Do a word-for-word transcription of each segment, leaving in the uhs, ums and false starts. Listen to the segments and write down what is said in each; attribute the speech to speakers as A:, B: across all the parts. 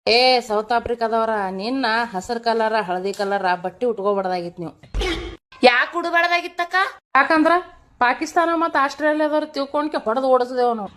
A: ಏ ಸೌತ್ ಆಫ್ರಿಕಾದವ್ರ ನಿನ್ನ ಹಸಿರು ಕಲರ ಹಳದಿ ಕಲರ ಬಟ್ಟಿ ಉಟ್ಕೋಬಾರ್ದಾಗಿತ್ ನೀವು.
B: ಯಾಕೆ ಉಡಬಾರ್ದಾಗಿತ್ತಕ್ಕ?
A: ಯಾಕಂದ್ರ ಪಾಕಿಸ್ತಾನ ಮತ್ತ ಆಸ್ಟ್ರೇಲಿಯಾದವ್ರು ತಿಳ್ಕೊಂಡ್ಕೆ ಹೊಡೆದು ಓಡಿಸಿದೇವ್ ನಾವು.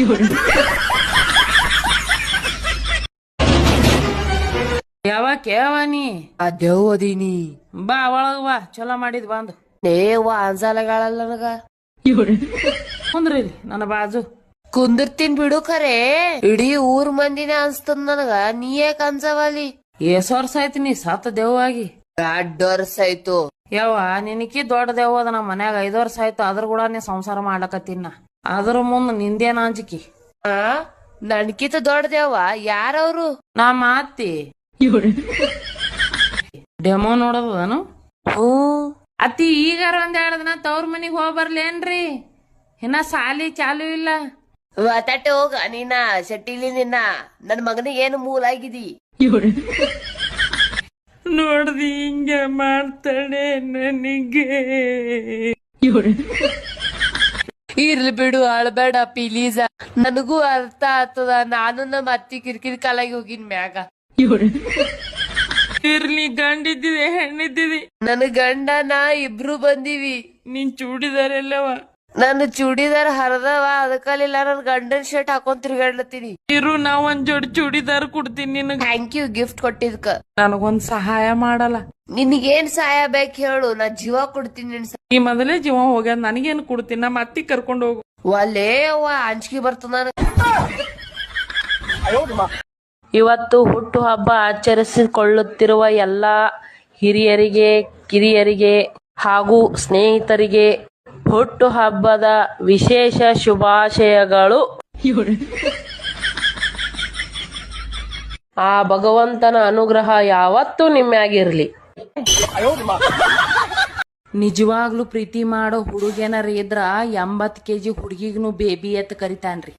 A: ಯಾವಾಗ ಕೇವ ನೀ
B: ಅದೇವ್ ಅದೀನಿ.
A: ಬಾ ಒಳಗ ಬಾ, ಚಲೋ ಮಾಡಿದ್ ಬಂದು.
B: ನೇವ ಅನ್ಸಾಲಗಾಳಲ್ಲ ನನಗ.
A: ಕುಂದ್ರಿ ನನ್ನ ಬಾಜು
B: ಕುಂದಿರ್ತೀನ್ ಬಿಡು, ಖರೆ ಇಡೀ ಊರ್ ಮಂದಿನ ಅನ್ಸ್ತದ ನನಗ. ನೀ ಯಾಕ ಅನ್ಸವಲ್ಲಿ?
A: ಏಸ್ ವರ್ಷ ಆಯ್ತು ನೀ ಸತ್ತ ದೇವಾಗಿ.
B: ಎರಡ್ ವರ್ಷ ಆಯ್ತು.
A: ಯವ್ವ ನಿನಕಿ ದೊಡ್ಡ ದೇವ ಅದ ನಮ್ಮ ಮನ್ಯಾಗ. ಐದ್ ವರ್ಷ ಆಯ್ತು ಅದ್ರ ಕೂಡ ನೀ ಸಂಸಾರ ಮಾಡ್ಲಕತ್ತಿನ. ಅದ್ರ ಮುಂದ್ ನಿಂದೇನ ಅಂಜಿಕಿ?
B: ಆ ನನ್ಕಿತ ದೊಡ್ಡದೇವ ಯಾರವ್ರು?
A: ನಾ ಮಾತಿ ಡೆಮೋ ನೋಡದನು.
B: ಹ್ಮ್
A: ಅತಿ ಈಗಾರ ಒಂದ್ ಎರಡ್ ದಿನ ತವ್ರ ಮನಿಗ್ ಹೋಗ್ ಬರ್ಲೇನ್ರಿ? ಇನ್ನ ಸಾಲಿ ಚಾಲು ಇಲ್ಲ.
B: ಮಾತಾಟೆ ಹೋಗ ನೀನ ಶೆಟ್ಟಿಲಿ. ನಿನ್ನ ನನ್ ಮಗನಿಗೆ ಏನು ಮೂಲ ಆಗಿದಿ?
A: ನೋಡ್ದಿ ಹಿಂಗ ಮಾಡ್ತಾಳೆ ನನಗೆ.
B: ಇರ್ಲಿ ಬಿಡು, ಅಳ್ಬೇಡ ಪ್ಲೀಸ್. ನನಗೂ ಅರ್ಥ ಆಗ್ತದ. ನಾನು ನಮ್ಮ ಅತ್ತಿ ಕಿರಿಕಿರಿ ಕಾಲಾಗಿ ಹೋಗಿನ್ ಮ್ಯಾಗ.
A: ಇರ್ಲಿ, ಗಂಡಿದ್ದಿದೆ ಹೆಣ್ಣಿದ್ದಿದಿ.
B: ನನ್ ಗಂಡ ನಾ ಇಬ್ರು ಬಂದಿವಿ.
A: ನಿನ್ ಚೂಡಿದಾರೆಲ್ಲವ
B: ನನ್ನ ಚೂಡಿದಾರ್ ಹರದವ, ಅದಕ್ಕಲ್ಲಿಲ್ಲ ನನ್ ಗಂಡನ್ ಶರ್ಟ್ ಹಾಕೊಂಡ್ ತಿರ್ಗಾಡ್ಲತ್ತೀನಿ.
A: ಇರು, ನಾ ಒಂದ್ ಜೋಡಿ ಚೂಡಿದಾರ್ ಕೊಡ್ತೀನಿ ನಿನಗ.
B: ಥ್ಯಾಂಕ್ ಯು ಗಿಫ್ಟ್ ಕೊಟ್ಟಿದ್ಕ.
A: ನನಗೊಂದ್ ಸಹಾಯ ಮಾಡಲ್ಲ?
B: ನಿನಗೇನ್ ಸಹಾಯ ಬೇಕ್ ಹೇಳು, ನಾ ಜೀವ ಕೊಡ್ತೀನಿ. ನಿನ್
A: ಈ ಮೊದಲೇ ಜೀವ ಹೋಗ್ಯಾದ, ನನಗೇನು ಕೊಡ್ತೀನಿ? ನಮ್ಮ ಅತ್ತಿ ಕರ್ಕೊಂಡು ಹೋಗು.
B: ಒಲ್ಲೇ ಅವ್ವ ಅಂಜಿಕೆ ಬರ್ತದ.
C: ಇವತ್ತು ಹುಟ್ಟು ಹಬ್ಬ ಆಚರಿಸಿಕೊಳ್ಳುತ್ತಿರುವ ಎಲ್ಲ ಹಿರಿಯರಿಗೆ, ಕಿರಿಯರಿಗೆ ಹಾಗೂ ಸ್ನೇಹಿತರಿಗೆ ಹುಟ್ಟು ಹಬ್ಬದ ವಿಶೇಷ ಶುಭಾಶಯಗಳು. ಆ ಭಗವಂತನ ಅನುಗ್ರಹ ಯಾವತ್ತೂ ನಿಮ್ಮ್ಯಾಗಿರ್ಲಿ.
A: ನಿಜವಾಗ್ಲೂ ಪ್ರೀತಿ ಮಾಡೋ ಹುಡುಗೇನಾರ ಇದ್ರ ಎಂಬತ್ ಕೆಜಿ ಹುಡುಗಿಗ್ನು ಬೇಬಿ ಎತ್ ಕರಿತಾನ್ರಿ.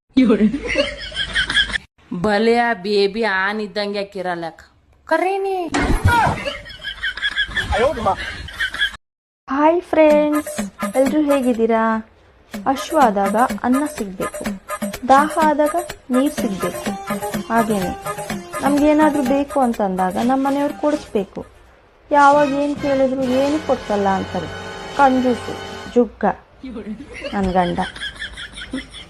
A: ಬಲೆ ಆ ಬೇಬಿ ಆನ್ ಇದ್ದಂಗೆ ಯಾಕಿರಲ್ಲಕ ಕರೀನಿ.
D: ಹಾಯ್ ಫ್ರೆಂಡ್ಸ್, ಎಲ್ಲರೂ ಹೇಗಿದ್ದೀರಾ? ಹಶ್ವ ಆದಾಗ ಅನ್ನ ಸಿಗಬೇಕು, ದಾಹ ಆದಾಗ ನೀರು ಸಿಗಬೇಕು. ಹಾಗೇನೆ ನಮಗೇನಾದರೂ ಬೇಕು ಅಂತಂದಾಗ ನಮ್ಮ ಮನೆಯವ್ರು ಕೊಡಿಸ್ಬೇಕು. ಯಾವಾಗ ಏನು ಕೇಳಿದ್ರು ಏನು ಕೊಡ್ಸಲ್ಲ ಅಂತಾರೆ. ಕಂಜೂಸು ಜುಗ್ಗ ನನ್ನ ಗಂಡ.